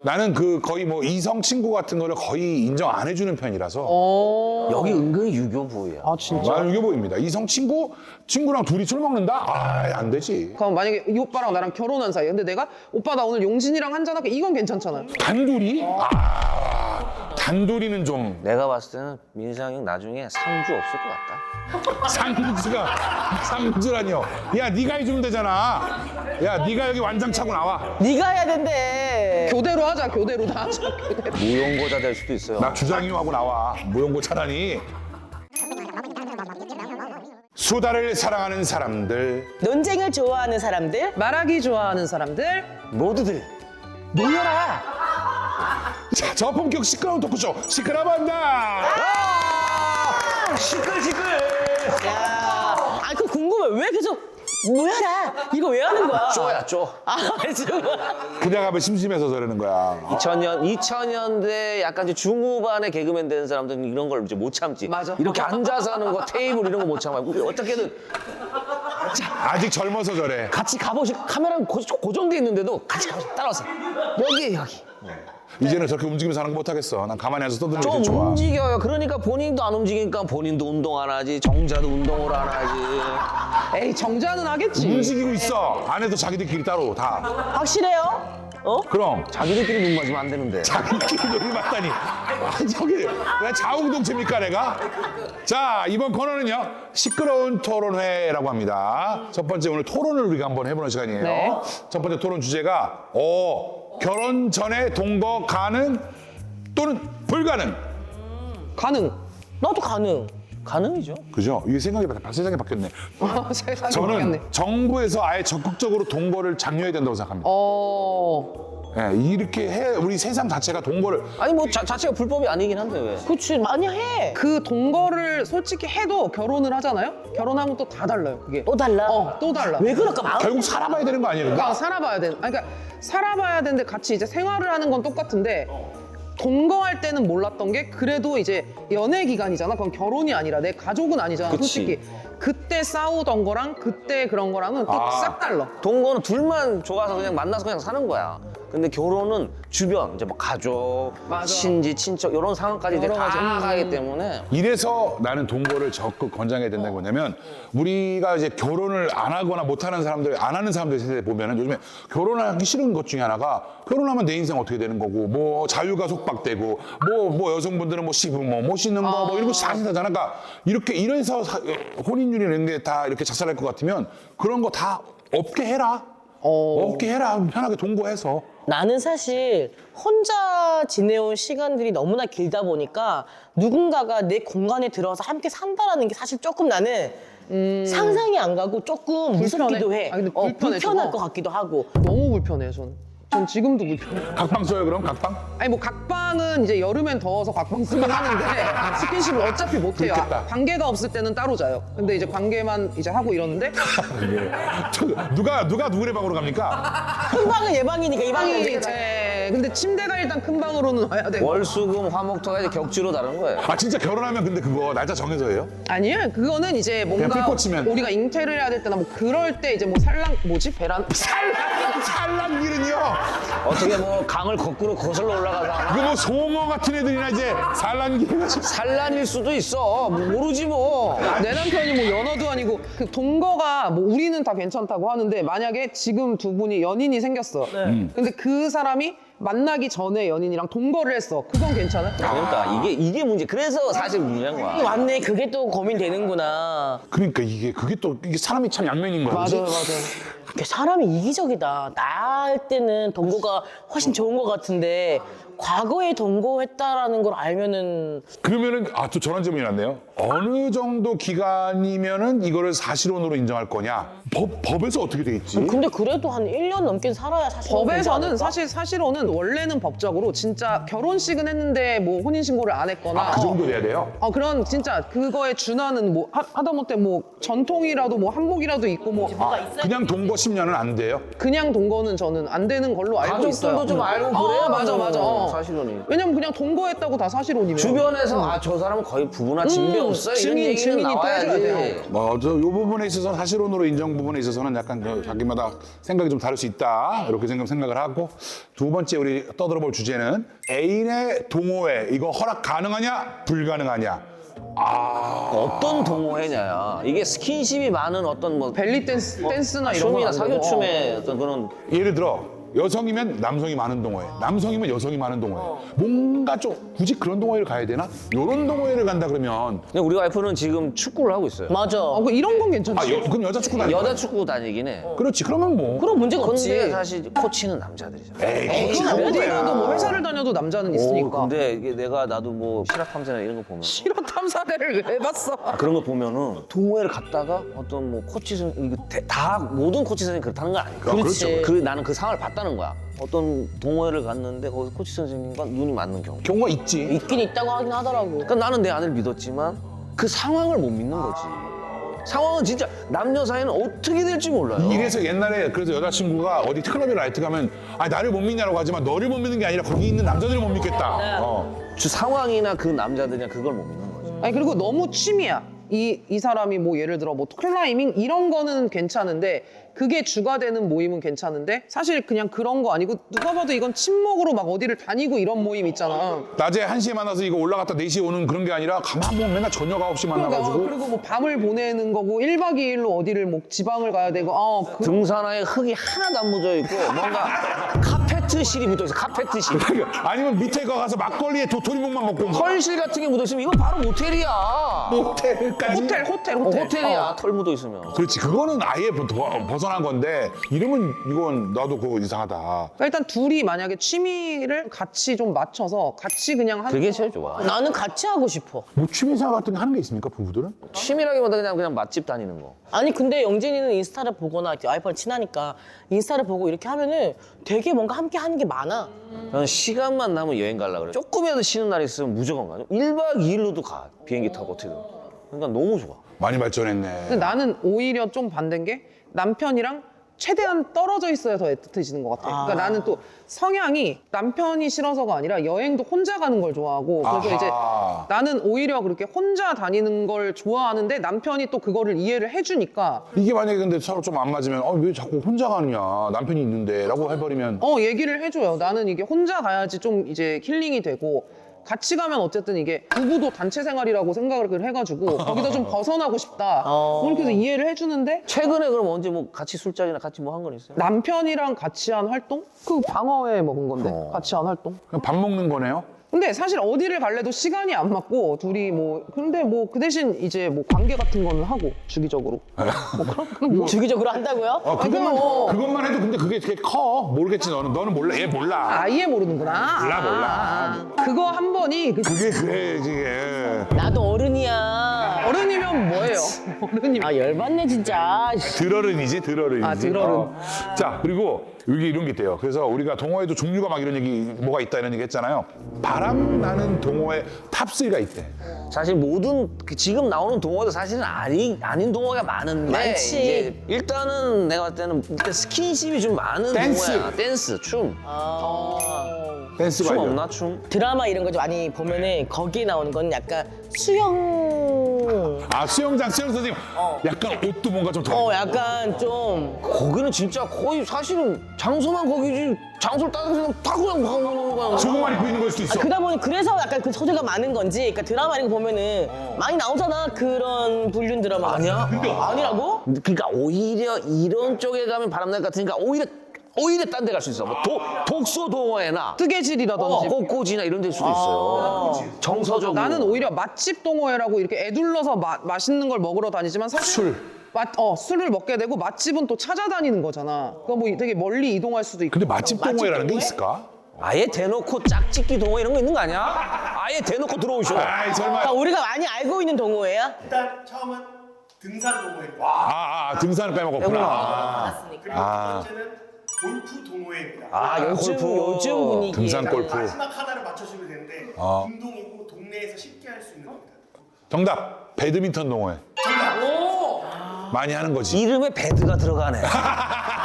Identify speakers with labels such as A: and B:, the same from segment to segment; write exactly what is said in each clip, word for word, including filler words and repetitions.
A: 나는 그 거의 뭐 이성 친구 같은 거를 거의 인정 안 해주는 편이라서.
B: 어.
C: 여기 은근히 유교부예요.
B: 아 진짜?
A: 나는 이게 보입니다. 이성 친구 친구랑 둘이 술 먹는다? 아, 안 되지.
B: 그럼 만약에 이 오빠랑 나랑 결혼한 사이. 근데 내가 오빠 나 오늘 용진이랑 한잔할게. 이건 괜찮잖아요.
A: 단둘이? 아, 단둘이는 좀
C: 내가 봤을 때는 민상이 형 나중에 상주 없을 것 같다.
A: 상주가 상주라니요. 야, 네가 해주면 되잖아. 야, 네가 여기 완장 차고 나와.
D: 네가 해야 된대.
B: 교대로 하자. 교대로 다 하자. 교대로.
C: 무용고자 될 수도 있어요.
A: 나 주장이하고 나와. 무용고 차라니. 수다를 사랑하는 사람들.
D: 논쟁을 좋아하는 사람들
B: 말하기 좋아하는 사람들.
C: 모두들
D: 모여라.
A: 자, 저품격 시끄러운 토크쇼 시끄러반다.
C: 아! 시끌 시끌.
D: 야, 아, 그 궁금해. 왜 계속 모여라. 이거 왜 하는 거야?
C: 쪼야 쪼.
D: 아, 지금.
A: 그냥 하면 심심해서 저러는 거야.
C: 이천 년 이천 년대 약간 이제 중후반에 개그맨 되는 사람들은 이런 걸 이제 못 참지.
B: 맞아.
C: 이렇게 앉아서 하는 거 테이블 이런 거 못 참아. 어떻게든
A: 아직 젊어서 저래.
C: 같이 가보시. 카메라는 고, 고정돼 있는데도 같이 가보시. 따라와서 여기 여기.
A: 이제는 저렇게 움직이면서 하는 거 못하겠어. 난 가만히 앉아서 떠드는 게
C: 좀
A: 좋아.
C: 움직여요. 그러니까 본인도 안 움직이니까 본인도 운동 안 하지. 정자도 운동을 안 하지.
B: 에이 정자는 하겠지.
A: 움직이고 있어. 안에도 자기들끼리 따로 다.
D: 확실해요? 어?
A: 그럼
C: 자기들끼리 눈 맞으면 안 되는데.
A: 자기끼리 여기 맞다니. 아, 저기 왜 자웅동체입니까 내가? 자, 이번 코너는요 시끄러운 토론회라고 합니다. 첫 번째 오늘 토론을 우리가 한번 해보는 시간이에요.
B: 네.
A: 첫 번째 토론 주제가 어 결혼 전에 동거 가능 또는 불가능.
B: 가능.
D: 나도 가능.
C: 가능이죠.
A: 그죠? 이게 생각이 바, 세상이 바뀌었네.
B: 어, 세상에
A: 저는
B: 모르겠네.
A: 정부에서 아예 적극적으로 동거를 장려해야 된다고 생각합니다.
B: 어.
A: 예, 이렇게 해 우리 세상 자체가 동거를
C: 아니 뭐 자, 자체가 불법이 아니긴 한데 왜?
D: 그치, 많이 해.
B: 그 동거를 솔직히 해도 결혼을 하잖아요? 결혼하면 또 다 달라요, 그게.
D: 또 달라?
B: 어, 또 달라.
D: 왜 그럴까? 마음
A: 결국 살아봐야 되는 거 아니에요?
B: 그러니까 살아봐야 돼. 아니, 그러니까 살아봐야 되는데 같이 이제 생활을 하는 건 똑같은데 동거할 때는 몰랐던 게 그래도 이제 연애 기간이잖아. 그건 결혼이 아니라 내 가족은 아니잖아.
C: 그치.
B: 솔직히 그때 싸우던 거랑 그때 그런 거랑은 또
A: 아.
B: 싹 달라.
C: 동거는 둘만 좋아서 그냥 만나서 그냥 사는 거야. 근데 결혼은 주변 이제 뭐 가족,
B: 맞아.
C: 친지, 친척 이런 상황까지 이제
B: 여러
C: 다
B: 가지. 음.
C: 가기 때문에
A: 이래서 나는 동거를 적극 권장해야 된다는 거냐면 우리가 이제 결혼을 안 하거나 못 하는 사람들, 안 하는 사람들 세대 보면은 요즘에 결혼하기 싫은 것 중에 하나가 결혼하면 내 인생 어떻게 되는 거고 뭐 자유가 속박되고 뭐 뭐 여성분들은 뭐 시부모 못 씻는 거 뭐 이런 거 다 하잖아. 그러니까 이렇게 이래서 사- 혼인율이 이런 게 다 이렇게 작살날 것 같으면 그런 거 다 없게 해라.
B: 어.
A: 없게 해라. 편하게 동거해서.
D: 나는 사실 혼자 지내온 시간들이 너무나 길다 보니까 누군가가 내 공간에 들어와서 함께 산다라는 게 사실 조금 나는 상상이 안 가고 조금 무섭기도 해.
B: 아, 근데
D: 어,
B: 불편해,
D: 불편할
B: 저거.
D: 것 같기도 하고.
B: 너무 불편해요, 저는. 전 지금도 불편해.
A: 각방 써요 그럼 각방?
B: 아니 뭐 각방은 이제 여름엔 더워서 각방 쓰긴 하는데 스킨십을 어차피 못 해요.
A: 그렇겠다.
B: 관계가 없을 때는 따로 자요. 근데 이제 관계만 이제 하고 이러는데
A: 예. 저, 누가 누가 누구네 방으로 갑니까?
D: 큰 방은 얘 방이니까 이 방은
B: 방이
D: 우리가
B: 네, 근데 침대가 일단 큰 방으로는 와야 되고.
C: 월수금 화목토가 이제 격주로 다른 거예요.
A: 아 진짜 결혼하면 근데 그거 날짜 정해서 해요?
B: 아니에요. 그거는 이제 뭔가
A: 불 꽂히면.
B: 우리가 잉태를 해야 될 때나 뭐 그럴 때 이제 뭐 살랑 뭐지 베란
A: 산란 산란길은요.
C: 어떻게 뭐 강을 거꾸로 거슬러 올라가서
A: 이거 뭐 송어 같은 애들이나 이제 산란길 해가지고.
C: 산란일 수도 있어. 뭐 모르지 뭐.
B: 내 남편이 뭐 연어도 아니고 그 동거가 뭐 우리는 다 괜찮다고 하는데 만약에 지금 두 분이 연인이 생겼어. 근데 그 사람이 만나기 전에 연인이랑 동거를 했어. 그건 괜찮아?
C: 그러니까 이게 이게 문제. 그래서 사실 문제인 거야.
D: 왔네. 그게 또 고민되는구나.
A: 그러니까 이게 그게 또 이게 사람이 참 양면인 거야. 그치?
B: 맞아요, 맞아요.
D: 이게 사람이 이기적이다. 나 할 때는 동거가 훨씬 좋은 것 같은데 과거에 동거했다라는 걸 알면은
A: 그러면은 아 또 저런 질문이 났네요. 어느 정도 기간이면은 이거를 사실혼으로 인정할 거냐? 법 법에서 어떻게 되겠지?
D: 근데 그래도 한 일 년 넘게 살아야 사실
B: 법에서는 사실 사실로는 원래는 법적으로 진짜 결혼식은 했는데 뭐 혼인신고를 안 했거나
A: 아, 그 정도 돼야 돼요?
B: 어 그런 진짜 그거에 준하는 뭐 하, 하다못해 뭐 전통이라도 뭐 한복이라도 있고 뭐
A: 그냥 동거 십 년은 안 돼요?
B: 그냥 동거는 저는 안 되는 걸로 알고 있어요.
C: 가족들도 좀 알고
B: 어,
C: 그래야
B: 맞아 맞아. 어.
C: 사실혼이.
B: 왜냐면 그냥 동거했다고 다 사실혼이면.
C: 주변에서 아 저 사람은 거의 부부나 진배
B: 음,
C: 없어요. 이런
B: 증인,
C: 얘기는
B: 증인이 또
C: 나와야지.
B: 해줘야 돼요.
A: 뭐, 저, 요 부분에 있어서 사실혼으로 인정 부분에 있어서는 약간 그 자기마다 생각이 좀 다를 수 있다. 이렇게 생각, 생각을 하고. 두 번째 우리 떠들어 볼 주제는 애인의 동호회. 이거 허락 가능하냐? 불가능하냐? 아.
C: 어떤 동호회냐야. 이게 스킨십이 많은 어떤 뭐
B: 벨리 댄스, 댄스나 이런 거.
C: 춤이나 사교춤의 어떤 그런
A: 예를 들어 여성이면 남성이 많은 동호회, 남성이면 여성이 많은 동호회. 뭔가 좀 굳이 그런 동호회를 가야 되나? 이런 동호회를 간다 그러면
C: 근데 우리 와이프는 지금 축구를 하고 있어요.
D: 맞아.
B: 어, 그 이런 건 괜찮지.
A: 아, 여, 그럼 여자 축구 다니
C: 여자 축구 다니긴 해.
A: 그렇지. 그러면 뭐.
D: 그럼 문제가
C: 근데
D: 없지.
C: 사실 코치는 남자들이잖아.
A: 에이,
B: 그건
A: 그건
B: 어디라도 뭐
A: 뭐야.
B: 회사를 다녀도 남자는
C: 오,
B: 있으니까.
C: 근데 이게 내가 나도 뭐 실업 탐사나 이런 거 보면
B: 실화 탐사대를 왜 봤어?
C: 그런 거 보면은 동호회를 갔다가 어떤 뭐 코치 선 이거 대- 다 모든 코치 선생님 그렇다는 거 아니까.
D: 그렇지.
C: 그 나는 그 상황을 봤다는 거야. 어떤 동호회를 갔는데 거기 코치 선생님과 눈이 맞는 경우.
A: 경우가 있지.
D: 있긴 있다고 하긴 하더라고.
C: 그러니까 나는 내 아내를 믿었지만 그 상황을 못 믿는 거지. 상황은 진짜 남녀 사이는 어떻게 될지 몰라요.
A: 이래서 옛날에 그래서 여자친구가 어디 클럽에 라이트 가면 아 나를 못 믿냐라고 하지만 너를 못 믿는 게 아니라 거기 있는 남자들을 못 믿겠다. 어.
C: 주 상황이나 그 남자들이나 그걸 못 믿는 거지.
B: 아니 그리고 너무 취미야. 이, 이 사람이 뭐 예를 들어 뭐 클라이밍 이런 거는 괜찮은데 그게 주가 되는 모임은 괜찮은데 사실 그냥 그런 거 아니고 누가 봐도 이건 친목으로 막 어디를 다니고 이런 모임 있잖아.
A: 낮에 한 시에 만나서 이거 올라갔다 네 시에 오는 그런 게 아니라 가만 보면 맨날 저녁 아홉 시
B: 그러니까
A: 만나가지고
B: 그리고 뭐 밤을 보내는 거고 일 박 이 일로 어디를 뭐 지방을 가야 되고 어, 그,
C: 등산화에 흙이 하나도 안 묻어 있고 뭔가 카페트실이 묻어 있어. 카페트실.
A: 아니면 밑에 거 가서 막걸리에 도토리묵만 먹고 온 거.
C: 털실 같은 게 묻어 있으면 이건 바로 모텔이야.
A: 호텔까지.
B: 호텔 호텔
C: 어,
B: 호텔.
C: 호텔이야.
B: 어.
C: 털 묻어 있으면.
A: 그렇지. 그거는 아예 버- 벗어난 건데 이러면 이건 나도 그거 이상하다.
B: 그러니까 일단 둘이 만약에 취미를 같이 좀 맞춰서 같이 그냥 하는
C: 그게 제일 좋아.
D: 나는 같이 하고 싶어.
A: 뭐 취미생활 같은 게 하는 게 있습니까 부부들은?
C: 취미라기보다 그냥 그냥 맛집 다니는 거.
D: 아니 근데 영진이는 인스타를 보거나 와이프랑 친하니까 인스타를 보고 이렇게 하면은 되게 뭔가 함께 하는 게 많아.
C: 저는 시간만 나면 여행 가려고 그래. 조금이라도 쉬는 날 있으면 무조건 가죠. 일 박 이 일로도 가. 비행기 타고 어떻게든. 그러니까 너무 좋아.
A: 많이 발전했네.
B: 근데 나는 오히려 좀 반대인 게 남편이랑 최대한 떨어져 있어야 더 애틋해지는 것 같아. 그러니까 나는 또 성향이 남편이 싫어서가 아니라 여행도 혼자 가는 걸 좋아하고 그래서
A: 아하.
B: 이제 나는 오히려 그렇게 혼자 다니는 걸 좋아하는데 남편이 또 그거를 이해를 해주니까
A: 이게 만약에 근데 서로 좀 안 맞으면 어, 왜 자꾸 혼자 가느냐 남편이 있는데 라고 해버리면
B: 어 얘기를 해줘요. 나는 이게 혼자 가야지 좀 이제 힐링이 되고 같이 가면 어쨌든 이게 부부도 단체 생활이라고 생각을 해가지고 거기서 좀 벗어나고 싶다.
D: 어.
B: 그렇게 해서 이해를 해주는데
C: 최근에 그럼 언제 뭐 같이 술자리나 같이 뭐 한 건 있어요?
B: 남편이랑 같이 한 활동? 그 방어회 먹은 건데
C: 어.
B: 같이 한 활동?
A: 그냥 밥 먹는 거네요.
B: 근데 사실 어디를 갈래도 시간이 안 맞고 둘이 뭐 근데 뭐 그 대신 이제 뭐 관계 같은 거는 하고 주기적으로 뭐 그런 그런 뭐
D: 주기적으로 한다고요?
A: 어, 그것만,
B: 그거-
A: 그것만 해도 근데 그게 되게 커. 모르겠지 너는. 너는 몰라. 얘 몰라.
B: 아예 모르는구나.
A: 몰라, 몰라.
B: 아, 그거 한 번이 그
A: 그게 그래 이게.
D: 나도 어른이야.
B: 어른이면 뭐예요? 어른이면
D: 아 열받네 진짜.
A: 들어른이지 들어른이지.
B: 아, 들어른.
A: 어. 자 그리고 여기 이런 게 있대요. 그래서 우리가 동호회도 종류가 막 이런 얘기 뭐가 있다 이런 얘기 했잖아요. 바람 나는 동호회 탑쓰리가 있대.
C: 사실 모든 그 지금 나오는 동호회도 사실은 아니, 아닌 동호회가 많은데
D: 많지.
C: 이제 일단은 내가 봤을 때는 일단 스킨십이 좀 많은
A: 댄스.
C: 동호회야. 댄스, 춤.
A: 댄스가
C: 춤
A: 있죠.
C: 없나 춤?
D: 드라마 이런 거 좀 많이 보면은 거기에 나오는 건 약간 수영.
A: 아 수영장 수영 선생님. 약간 옷도 뭔가 좀 더.
D: 어 약간 좀
C: 거기는 진짜 거의 사실은 장소만 거기지 장소를 따서 그냥 다 그냥 가는 거야.
A: 저것만 입고 있는 걸 수도 있어.
D: 그러다 보니 그래서 약간 그 소재가 많은 건지 그러니까 드라마 이런 거 보면은 많이 나오잖아 그런 불륜 드라마.
C: 아니야?
D: 아니라고?
C: 그러니까 오히려 이런 쪽에 가면 바람날 것 같으니까 오히려 오히려 딴 데 갈 수 있어. 뭐 도, 독서 동호회나
B: 뜨개질이라든지
C: 어, 꽃꽂이나 이런 데일 수도 있어요. 정서적으로.
B: 나는 오히려 맛집 동호회라고 이렇게 애둘러서 마, 맛있는 걸 먹으러 다니지만 사실
A: 술.
B: 맛, 어, 술을 먹게 되고 맛집은 또 찾아다니는 거잖아. 그거 뭐 되게 멀리 이동할 수도 있고.
A: 근데 맛집
D: 맛집
A: 동호회라는 게
D: 동호회?
A: 있을까?
C: 아예 대놓고 짝짓기 동호회 이런 거 있는 거 아니야? 아예 대놓고 들어오셔.
A: 아이 설마.
D: 그러니까 우리가 많이 알고 있는 동호회야?
E: 일단 처음은 등산 동호회입니다.
A: 아, 아 등산을 빼먹었구나. 아,
E: 그리고
A: 아.
E: 두 번째는 골프 동호회입니다.
C: 아,
D: 요즘
C: 골프.
D: 요즘 분위기.
A: 등산 골프.
E: 마지막 하나를 맞춰주면 되는데
A: 아.
E: 운동이고 동네에서 쉽게 할 수 있는 겁니다.
A: 정답. 배드민턴 동호회.
E: 정답.
A: 많이 하는 거지.
C: 이름에 배드가 들어가네.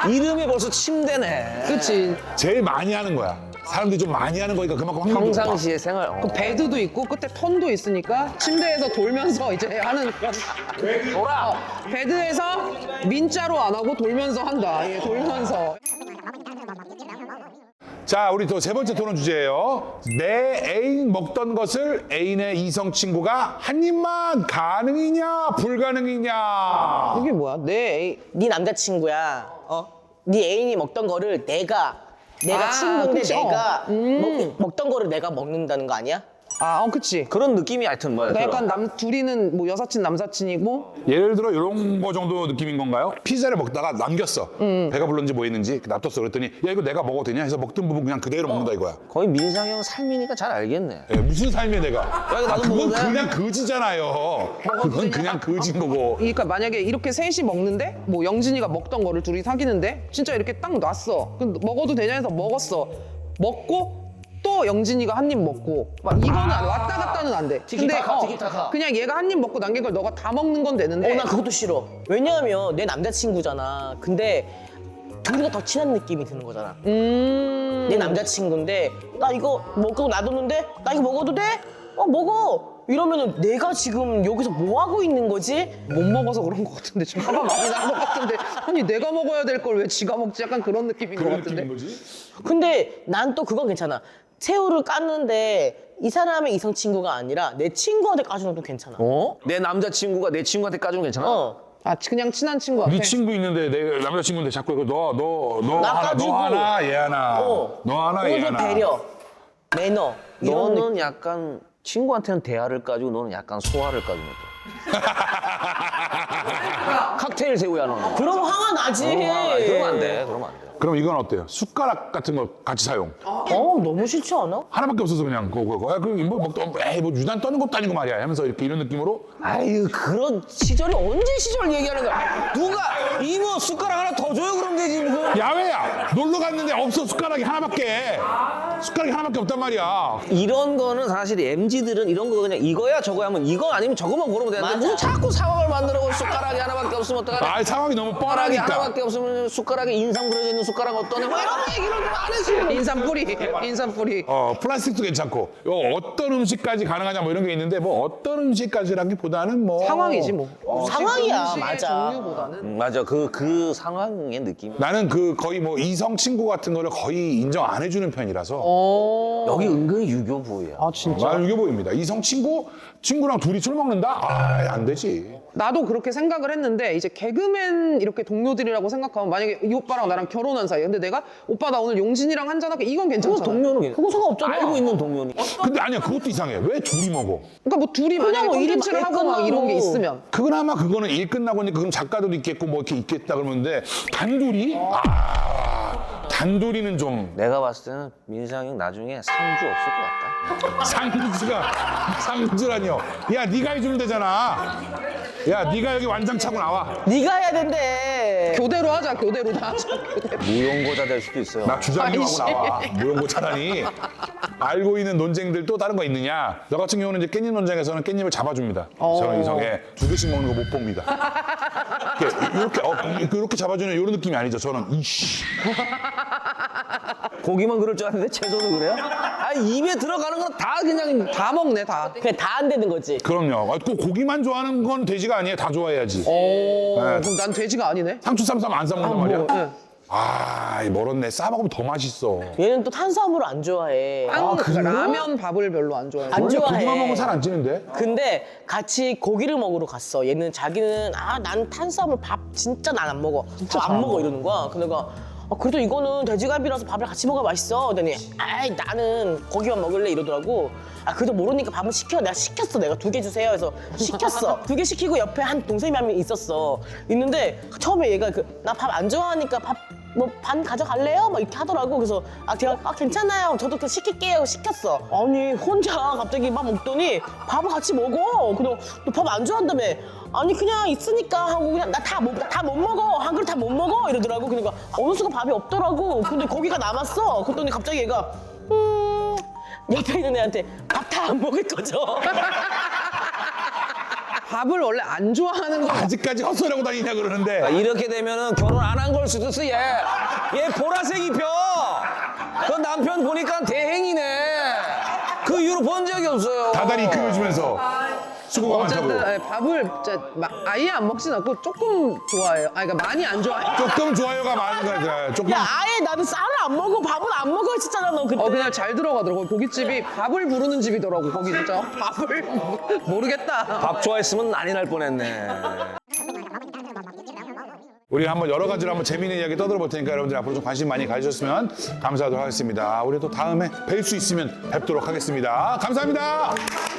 C: 이름이 벌써 침대네.
B: 그치.
A: 제일 많이 하는 거야. 사람들이 좀 많이 하는 거니까 그만큼 확률이 높아.
C: 평상시의 생활. 어.
B: 그 베드도 있고 끝에 턴도 있으니까 침대에서 돌면서 이제 하는 그런.
C: 돌아.
B: 어, 베드에서 민자로 안 하고 돌면서 한다. 예, 돌면서.
A: 자, 우리 또 세 번째 토론 주제예요. 내 애인 먹던 것을 애인의 이성 친구가 한 입만 가능이냐 불가능이냐.
B: 이게 뭐야? 내 애인.
D: 네 남자친구야. 어? 네 애인이 먹던 거를 내가 내가
B: 아,
D: 친구인데
B: 그쵸.
D: 내가 먹, 먹던 거를 내가 먹는다는 거 아니야?
B: 아, 어, 그치.
C: 그런 느낌이 하여튼 뭐야.
B: 그러니까 약간 남 둘이는 뭐 여사친 남사친이고
A: 예를 들어 이런 거 정도 느낌인 건가요? 피자를 먹다가 남겼어. 배가 불렀는지 뭐 했는지 놔뒀어. 그랬더니 야 이거 내가 먹어도 되냐 해서 먹던 부분 그냥 그대로 먹는다 이거야.
C: 거의 민상이 형 삶이니까 잘 알겠네.
A: 예, 무슨 삶이야 내가.
C: 야, 이거 나도
A: 아, 그건
C: 먹어도 돼?
A: 그냥 거지잖아요. 그건 그냥 거지인 거고.
B: 그러니까 만약에 이렇게 셋이 먹는데 뭐 영진이가 먹던 거를 둘이 사귀는데 진짜 이렇게 딱 놨어. 그럼 먹어도 되냐 해서 먹었어. 먹고 또 영진이가 한 입 먹고 막 이거는 안 돼. 왔다 갔다는 안 돼. 근데
C: 티키타카, 티키타카.
B: 그냥 얘가 한 입 먹고 남긴 걸 너가 다 먹는 건 되는데
D: 어, 나 그것도 싫어. 왜냐하면 내 남자친구잖아. 근데 둘이가 더 친한 느낌이 드는 거잖아.
B: 음...
D: 내 남자친구인데 나 이거 먹고 놔뒀는데 나 이거 먹어도 돼? 어 먹어. 이러면은 내가 지금 여기서 뭐 하고 있는 거지?
B: 못 먹어서 그런 것 같은데 지금 화가 많이 난 것 같은데 아니 내가 먹어야 될 걸 왜 지가 먹지? 약간 그런 느낌인 것
A: 그런
B: 같은데
A: 느낌인 거지?
D: 근데 난 또 그건 괜찮아. 새우를 깠는데 이 사람의 이성 친구가 아니라 내 친구한테 까주는 것도 괜찮아.
C: 어? 내 남자친구가 내 친구한테 까주면 괜찮아?
D: 어.
B: 아 그냥 친한 친구한테
A: 네 친구 있는데 내 남자친구인데 자꾸 이거 너 너 너 하나
D: 낚아주고.
A: 너 하나 얘 하나
D: 어.
A: 너 하나 얘
D: 그것도
A: 하나.
D: 배려, 매너 이런 느낌.
C: 너는 약간 친구한테는 대화를 까주고 너는 약간 소화를 까주는 거. 칵테일 새우야 너는.
D: 그럼 화가 나지.
C: 아, 그러면 안 돼. 그러면 안 돼.
A: 그럼 이건 어때요? 숟가락 같은 거 같이 사용.
D: 어 너무 싫지 않아?
A: 하나밖에 없어서 그냥 그거 그거. 야, 그뭐 먹던 에이 뭐 유난 떠는 것도 아니고 말이야. 하면서 이렇게 이런 느낌으로
C: 아유 그런 시절이 언제 시절 얘기하는 거야? 누가 이모 숟가락 하나 더 줘요 그럼 되지 무슨?
A: 야외야 놀러 갔는데 없어 숟가락이 하나밖에 숟가락이 하나밖에 없단 말이야.
C: 이런 거는 사실 엠지들은 이런 거 그냥 이거야 저거야 하면 이거 아니면 저거만 고르면 되는데
D: 맞아.
C: 무슨 자꾸 상황을 만들어 숟가락이 하나밖에 없으면 어떡하냐?
A: 아 상황이 너무
C: 숟가락이
A: 뻔하니까.
C: 하나밖에 없으면 숟가락에 인상 그려져 있는 숟가락 어떠냐? 뭐 이런 얘기를 좀 안 했어요.
B: 인삼 뿌리 인삼 뿌리
A: 어 플라스틱도 괜찮고 요 어떤 음식까지 가능하냐 뭐 이런 게 있는데 뭐 어떤 음식까지라기보다는 뭐
B: 상황이지 뭐
D: 상황이야,
B: 음식의
D: 맞아.
B: 종류보다는
C: 음, 맞아 그 그 상황의 느낌.
A: 나는 그 거의 뭐 이성 친구 같은 거를 거의 인정 안 해주는 편이라서
B: 어...
C: 여기 은근히 유교부야.
B: 아 진짜
A: 나 이게 보입니다. 이성 친구 친구랑 둘이 술 먹는다? 아 안 되지.
B: 나도 그렇게 생각을 했는데 이제 개그맨 이렇게 동료들이라고 생각하면 만약에 이 오빠랑 나랑 결혼한 사이 근데 내가 오빠 나 오늘 용진이랑 한잔할게 이건 괜찮잖아.
C: 동료는
D: 그거 상관없잖아.
C: 알고 있는 동료니.
A: 근데 아니야 그것도 이상해. 왜 둘이 먹어?
B: 그러니까 뭐 둘이 만약에
D: 뭐 일이
B: 콘텐츠를
D: 막
B: 하고 막 이런 게
D: 끝나고.
B: 있으면
A: 그나마 그거는 일 끝나고 니까 그럼 작가도 있겠고 뭐 이렇게 있겠다 그러는데 단둘이? 아 단둘이는 좀
C: 내가 봤을 때는 민상이 형 나중에 상주 없을 것 같다.
A: 상주가 상주라니요. 야 네가 해주면 되잖아. 야 네가 여기 완장 차고 나와.
D: 네가 해야 된대.
B: 교대로 하자 교대로 다 하자 교대로.
C: 무용고자 될 수도 있어요.
A: 나 주장님하고
B: 아이씨.
A: 나와. 무용고 차라니. 알고 있는 논쟁들 또 다른 거 있느냐? 너 같은 경우는 이제 깻잎 논쟁에서는 깻잎을 잡아줍니다. 저는 이성에 두 개씩 먹는 거 못 봅니다. 이렇게 이렇게, 어, 이렇게 잡아주는 이런 느낌이 아니죠. 저는 이씨.
C: 고기만 그럴 줄 알았는데 채소도 그래요? 아 입에 들어가는 건 다 그냥
B: 다 먹네 다.
D: 그냥 다 안 되는 거지.
A: 그럼요. 아, 꼭 고기만 좋아하는 건 돼지가 아니에요. 다 좋아해야지.
B: 오
A: 네.
B: 그럼 난 돼지가 아니네.
A: 상추 쌈 싸면 안 싸먹는단 말이야.
B: 뭐, 네.
A: 아, 이 멀었네. 싸먹으면 더 맛있어.
D: 얘는 또 탄수화물을 안 좋아해.
B: 빵, 라면 밥을 별로 안 좋아해.
D: 안
A: 원래
D: 좋아해.
A: 고기만 먹으면 살 안 찌는데?
D: 근데 같이 고기를 먹으러 갔어. 얘는 자기는 아 난 탄수화물 밥 진짜 난 안 먹어. 밥 안 먹어 이러는 거야. 그래서 내가 아, 그래도 이거는 돼지갈비라서 밥을 같이 먹어야 맛있어. 그랬더니 아이 나는 고기만 먹을래 이러더라고. 아 그래도 모르니까 밥은 시켜. 내가 시켰어. 내가 두 개 주세요. 해서 시켰어. 두 개 시키고 옆에 한 동생이 한 명 있었어. 있는데 처음에 얘가 그 나 밥 안 좋아하니까 밥 뭐 반 가져갈래요? 막 이렇게 하더라고. 그래서 아 제가 아 괜찮아요. 저도 그냥 시킬게요. 시켰어. 아니 혼자 갑자기 막 먹더니 밥을 같이 먹어. 그래서 너 밥 안 좋아한다며. 아니 그냥 있으니까 하고 그냥 나 다 못 다 못 먹어. 한 그릇 다 못 먹어 이러더라고. 그러니까 어느 순간 밥이 없더라고. 근데 고기가 남았어. 그랬더니 갑자기 얘가 음 옆에 있는 애한테 밥 다 안 먹을 거죠.
B: 밥을 원래 안 좋아하는 거.
A: 아직까지 헛소리하고 다니냐 그러는데
C: 아, 이렇게 되면은 결혼 안 한 걸 수도 있어 얘. 얘 보라색 입혀. 그 남편 보니까 대행이네. 그 이후로 본 적이 없어요.
A: 다달이 이끌어주면서 수고가
B: 어쨌든
A: 많다고.
B: 예, 밥을 진짜 막 아예 안 먹진 않고 조금 좋아해요. 아 그러니까 많이 안 좋아해요.
A: 조금 좋아요가 많은 거야. 조금.
D: 야 아예 나는 쌀을 안 먹어 밥을 안 먹어 했었잖아 너 그때.
B: 어 그냥 잘 들어가더라고. 고깃집이 밥을 부르는 집이더라고. 거기 진짜 밥을 모르겠다.
C: 밥 좋아했으면 난리 날 뻔했네.
A: 우리 한번 여러 가지로 한번 재미있는 이야기 떠들어 볼 테니까 여러분들 앞으로 좀 관심 많이 가져주셨으면 감사하도록 하겠습니다. 우리 또 다음에 뵐 수 있으면 뵙도록 하겠습니다. 감사합니다.